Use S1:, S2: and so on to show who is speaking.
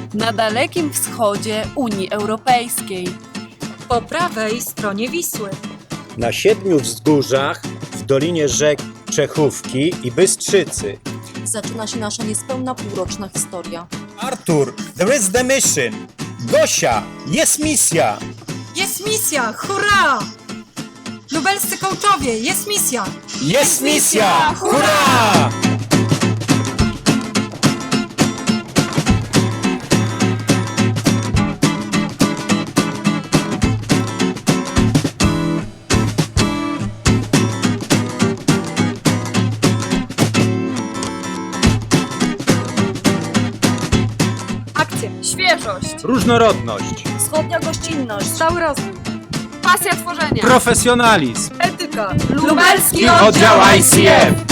S1: na Dalekim Wschodzie Unii Europejskiej.
S2: Po prawej stronie Wisły.
S3: Na 7 wzgórzach w dolinie rzek Czechówki i Bystrzycy.
S4: Zaczyna się nasza niespełna półroczna historia.
S3: Artur, there is the mission! Gosia, jest misja!
S2: Jest misja! Hurra! Lubelscy coachowie, jest misja!
S3: Jest misja! Hurra!
S2: Akcja!
S1: Świeżość,
S3: Różnorodność,
S4: Wschodnia gościnność.
S2: Cały rozwój!
S1: pasja tworzenia,
S3: profesjonalizm
S2: Etyka!
S1: Lubelski
S3: i oddział ICF.